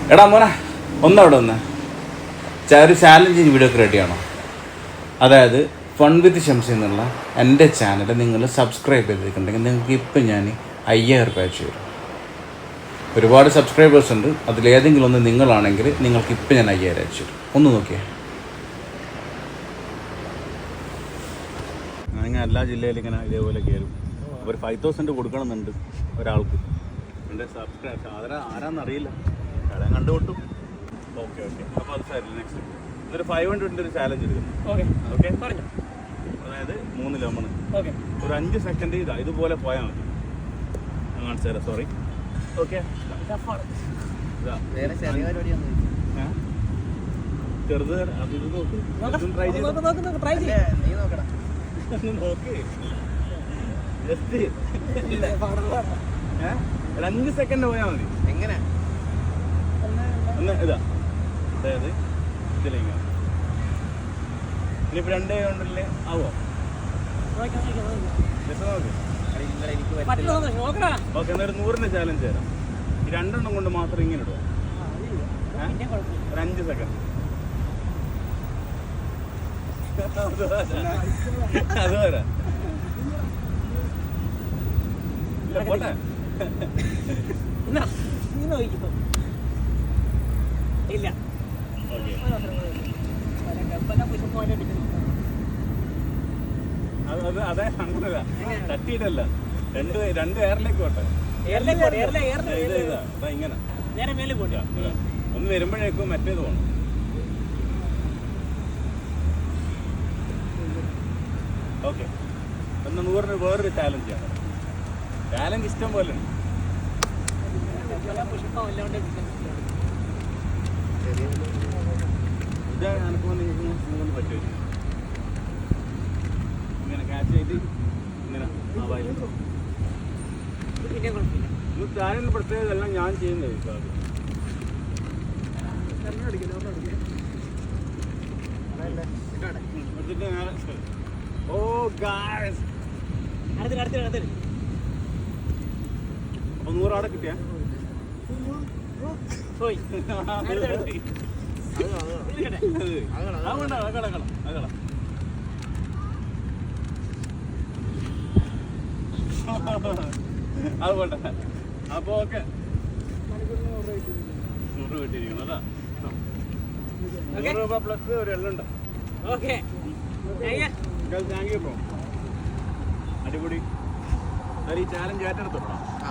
എടാ മോനെ ഒന്നവിടെ ഒന്ന് ഒരു ചാലഞ്ചിങ് വീഡിയോ ഒക്കെ റെഡിയാണോ? അതായത് ഫൺ വിത്ത് ഷംസി എന്നുള്ള എൻ്റെ ചാനൽ നിങ്ങൾ സബ്സ്ക്രൈബ് ചെയ്തിട്ടുണ്ടെങ്കിൽ നിങ്ങൾക്ക് ഇപ്പം ഞാൻ 5000 രൂപ അയച്ചു തരും. ഒരുപാട് സബ്സ്ക്രൈബേഴ്സ് ഉണ്ട്, അതിലേതെങ്കിലും ഒന്ന് നിങ്ങളാണെങ്കിൽ നിങ്ങൾക്ക് ഇപ്പം ഞാൻ 5000 അയച്ചു തരും. ഒന്ന് നോക്കിയേ. അങ്ങനെ എല്ലാ ജില്ലയിലും ഇങ്ങനെ ഇതേപോലെ കയറും. ഒരു 5000 കൊടുക്കണമെന്നുണ്ട് ഒരാൾക്ക്. എൻ്റെ സബ്സ്ക്രൈബ് ആരാന്നറിയില്ല, കടം കണ്ടുകൊട്ടും. ഓക്കെ അപ്പോൾ അത് സാരില്ല. നെക്സ്റ്റ് ഒരു 500 ഒരു ചാലഞ്ച് എടുക്കുന്നു. ഓക്കെ പറഞ്ഞു. അതായത് 3 ലെമൺ ഒരു 5 സെക്കൻഡ് ഇതുപോലെ പോയാൽ മതി. ഞാൻ കാണിച്ചു തരാം. സോറി. ഓക്കെ ചെറുത് അത് ഇത് നോക്ക്, ട്രൈ നോക്ക്. ജസ്റ്റ് 5 സെക്കൻഡ് പോയാൽ മതി. എങ്ങനെ ഒന്ന് ഇതാ, അതായത് ഇതിലേക്ക് ഇനിയിപ്പോൾ 2 കൊണ്ടല്ലേ ആവോ? ഓക്കെ, എന്നൊരു 100ന്റെ ചാലഞ്ച് തരാം. ഈ 2 കൊണ്ട് മാത്രം ഇങ്ങനെ ഇടുക. ഒരു 5 സെക്കൻഡ്. അത് വരാ ഇല്ല, പോട്ടെ. ഇല്ല അതെ, അങ്ങനല്ല, തട്ടിയിട്ടല്ല. 2 എയറിലേക്ക് പോട്ടെ. ഇങ്ങനെ ഒന്ന് വരുമ്പോഴേക്കും മറ്റേത് പോകണം. ഓക്കെ, ഒന്ന് 100 വേറൊരു ചാലഞ്ച് ആണ്. ചാലഞ്ച് ഇഷ്ടം പോലെ ഉണ്ട്. ഇത് എനക്ക് നിങ്ങൾക്ക് പറ്റുമോ? ഇങ്ങനെ ക്യാച്ച് ചെയ്ത് ഇങ്ങനെ ചാനലിന് പ്രത്യേകത എല്ലാം ഞാൻ ചെയ്യുന്നത്. ഓ ഗായ്സ്, അപ്പൊ 100 അവിടെ കിട്ടിയ അത് പോട്ടെ. അപ്പൊ ഓക്കെ, 100 കിട്ടിയിരിക്കുന്നു അല്ല. 100 രൂപ പ്ലസ് ഒരു എള്ളുണ്ടോ? താങ്ക് യു ബ്രോ, അടിപൊളി. ഈ ചാലഞ്ച് ഏറ്റെടുത്തോളാം.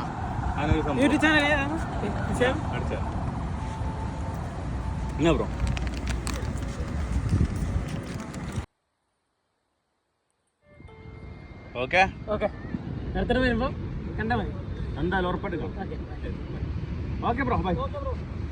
അടിച്ച എന്നാ ബ്രോ. ഓക്കെ വരുമ്പോ കണ്ടാ മതി. എന്തായാലും ഉറപ്പായിട്ട്. Okay bro, by.